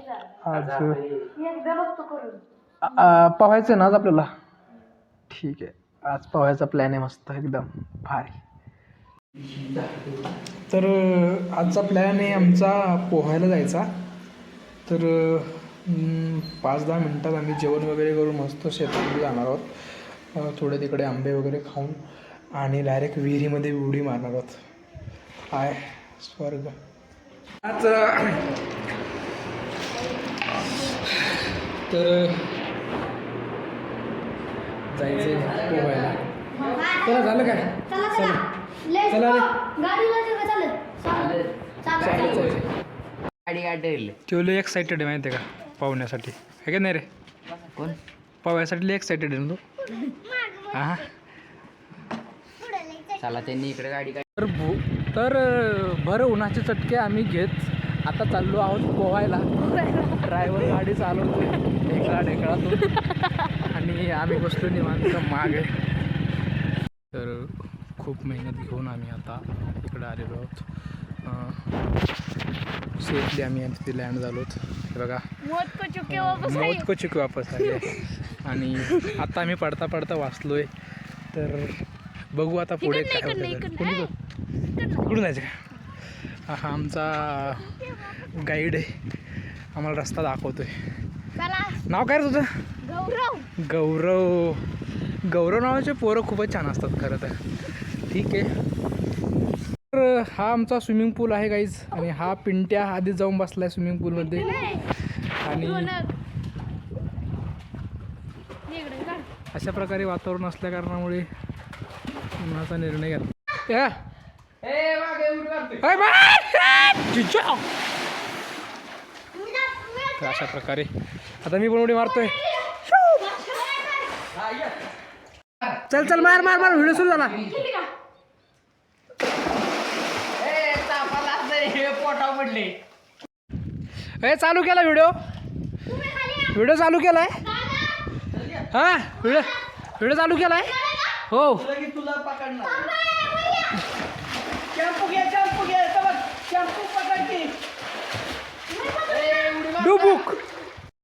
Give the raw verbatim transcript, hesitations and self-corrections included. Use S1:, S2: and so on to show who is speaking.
S1: आज पोहायचं ना आज आपल्याला. ठीक आहे, आज पोहायचा प्लॅन आहे मस्त एकदम भारी. तर आजचा प्लॅन आहे आमचा पोहायला जायचा. तर पाच दहा मिनटात आम्ही जेवण वगैरे करून मस्त शेतामध्ये जाणार आहोत. थोडे तिकडे आंबे वगैरे खाऊन आणि डायरेक्ट विहिरीमध्ये उडी मारणार आहोत. काय स्वर्ग. आज तर जायचं पोहायला. चला झालं काय? चला चला रे.
S2: गाडी गाडी
S1: तो लय एक्साइटेड आहे माहिती आहे का पाहण्यासाठी, आहे का नाही रे?
S2: कोण
S1: पाहण्यासाठी लय एक्साइटेड आहे ना तू. हां
S2: चला त्यांनी इकडे गाडी
S1: तर भू तर भर उन्हाचे चटके आम्ही घेत आता चाललो आहोत पोहायला. ड्रायव्हर गाडी चालवतो ढेकळा ढेकळातून आणि आम्ही बसलो निवांत मागे. तर खूप मेहनत घेऊन आम्ही आता इकडे आलेलो आहोत. सेफली आम्ही तिथे लँड झालो आहोत. हे बघा मौत को चुके वापस आले. आणि आता आम्ही पडता पडता वाचलोय. तर बघू आता पुढे काय होतं. कुणी कुठून जायचं का? हा आमचा गाईड आहे, आम्हाला रस्ता दाखवतोय. नाव काय रे तुझं?
S3: गौरव.
S1: गौरव. गौरव नावाचे पोरं खूपच छान असतात खरं तर. ठीक आहे. तर हा आमचा स्विमिंग पूल आहे गाईज. आणि हा पिंट्या आधी जाऊन बसलाय स्विमिंग पूलमध्ये. आणि अशा प्रकारे वातावरण असल्या कारणामुळे उन्हाचा निर्णय घेतला. तर अशा प्रकारे आता मी पण उडी मारतोय. चल चल मार मार मार. व्हिडिओ सुरू झाला. ए चालू केला व्हिडिओ. व्हिडिओ चालू केलाय. हा व्हिडिओ व्हिडिओ चालू केलाय. हो
S2: तुला पकडणार.
S1: डुबुक